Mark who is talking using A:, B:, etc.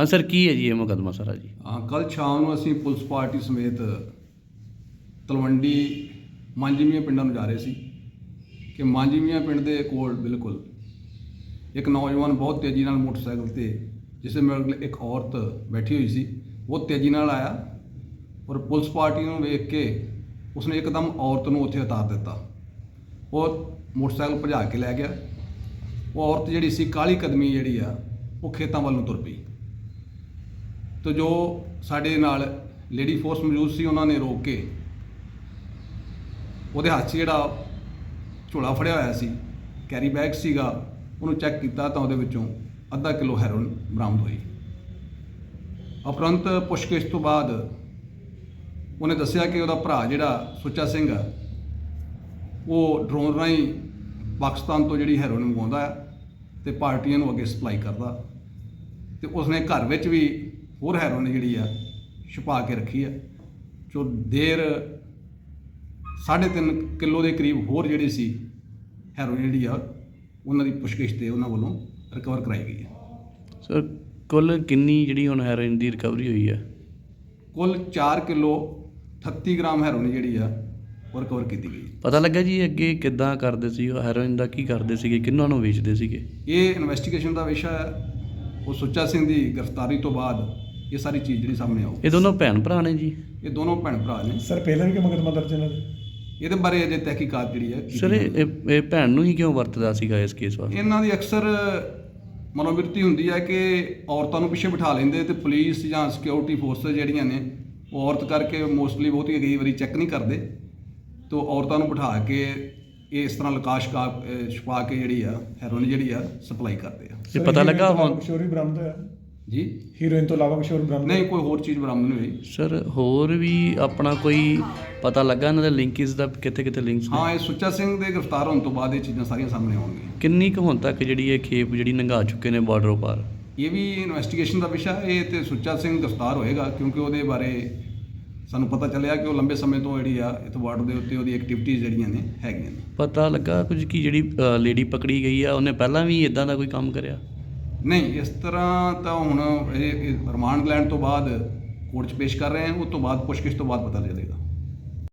A: हाँ सर, की है जी ये मुकदमा सारा जी?
B: ਕੱਲ੍ਹ ਸ਼ਾਮ ਨੂੰ ਅਸੀਂ ਪੁਲਿਸ ਪਾਰਟੀ ਸਮੇਤ ਤਲਵੰਡੀ ਮਾਂਜੀਮੀਆਂ ਪਿੰਡਾਂ ਨੂੰ ਜਾ ਰਹੇ ਸੀ ਕਿ ਮਾਂਜੀਮੀਆਂ ਪਿੰਡ ਦੇ ਕੋਲ ਬਿਲਕੁਲ ਇੱਕ ਨੌਜਵਾਨ ਬਹੁਤ ਤੇਜ਼ੀ ਨਾਲ ਮੋਟਰਸਾਈਕਲ ਤੇ ਜਿਸ ਦੇ ਮਗਰ ਇੱਕ ਔਰਤ ਬੈਠੀ ਹੋਈ ਸੀ, ਉਹ ਤੇਜ਼ੀ ਨਾਲ ਆਇਆ ਔਰ ਪੁਲਿਸ ਪਾਰਟੀ ਨੂੰ ਵੇਖ ਕੇ ਉਸਨੇ ਇੱਕਦਮ ਔਰਤ ਨੂੰ ਉੱਥੇ ਉਤਾਰ ਦਿੱਤਾ। ਉਹ ਮੋਟਰਸਾਈਕਲ ਭਜਾ ਕੇ ਲੈ ਗਿਆ। ਉਹ ਔਰਤ ਜਿਹੜੀ ਸੀ ਕਾਲੀ ਕਦਮੀ ਜਿਹੜੀ ਆ ਉਹ ਖੇਤਾਂ ਵੱਲ ਨੂੰ ਤੁਰ ਪਈ। तो जो साढ़े नाल लेडी फोर्स मौजूद सी उन्होंने रोक के वो हाथ से जोड़ा झोला फड़िया होया सी, कैरी बैग सीगा, उन्होंने चैक किया तो वो अद्धा किलो हैरोइन बरामद हुई। उपरंत पुछगिछ तो बाद उन्हें दसिया कि वह भरा जिहड़ा सुच्चा सिंह है वो ड्रोन राही पाकिस्तान तो जी हैरोइन मंगवाउंदा है तो पार्टियां नूं अगे सप्लाई करता, तो उसने घर विच भी होर हैरोइन जी छुपा के रखी है। जो देर 3.5 किलो के करीब होर जी सी हैरोइन जी उन्हों की पुछगिछ से उन्होंने वालों रिकवर कराई गई है।
A: सर कुल किन्नी जी हुण हैरोइन की रिकवरी हुई है?
B: कुल 4 किलो 38 ग्राम हैरोइन जी वो रिकवर की गई।
A: पता लगा जी अगे किद्दां करदे सी हैरोइन का, की करदे सीगे, किन्हां नूं वेचदे सीगे?
B: ये इन्वेस्टिगेशन का विषय है। वो सुच्चा सिंह की गिरफ्तारी तो बाद ये सारी चीज़ जी सामने आऊ।
A: ये दोनों भैन भरा ने जी?
B: ये दोनों भैन भरा ने।
C: सर पहले भी मुकदमा दर्ज है
B: ये बारे अजे तहकीकात जी है।
A: सर ये भैन नूं ही क्यों वरतदा सीगा इस केस वास्ते?
B: इन्हां दी अक्सर मनोवृत्ति हुंदी है कि औरतों नूं पिछे बिठा लेंदे ते पुलिस जां सिक्योरिटी फोर्स जिहड़ियां ने वो औरत करके मोस्टली बहुती कई बारी चैक नहीं करते, तो औरतों नूं बिठा के ये इस तरह लकाश का छुपा के जी हैरोइन जी सप्लाई करते हैं।
A: ये पता लगा हुण
C: किशोर भी बरामद होया
B: जी?
C: हीरोइन तो अलावा किशोर बरामद
B: नहीं, कोई होर चीज़ बरामद नहीं हुई।
A: सर होर भी अपना कोई पता लगा इन्हां दे लिंकिस दा, कित्थे कित्थे लिंक्स ने?
B: हाँ, ये सुच्चा सिंह के गिरफ्तार होने तो बाद ये चीज़ां सारियां सामने आउणगीਆਂ।
A: किन्नी कुछ हुण तक जी ये खेप जी लंघा चुके ने बॉर्डरों पार?
B: ये भी इन्वेस्टिगेशन का विषय है। ये तो सुच्चा सिंह गिरफ्तार होएगा क्योंकि वो बारे सानू पता चलिया कि वो लंबे समय तो जी इस बॉर्डर के उत्ते वो एक्टिविटीज़ जड़ियाँ ने हैगियां ने।
A: पता लगा कुछ कि जी लेडी पकड़ी गई है उन्हें पहला भी इदां दा कोई काम करिया?
B: नहीं, इस तरह तो हुण रिमांड लैण तो बाद कोर्ट च पेश कर रहे हैं, उस तो बाद पुछगिछ तो बाद पता चलेगा।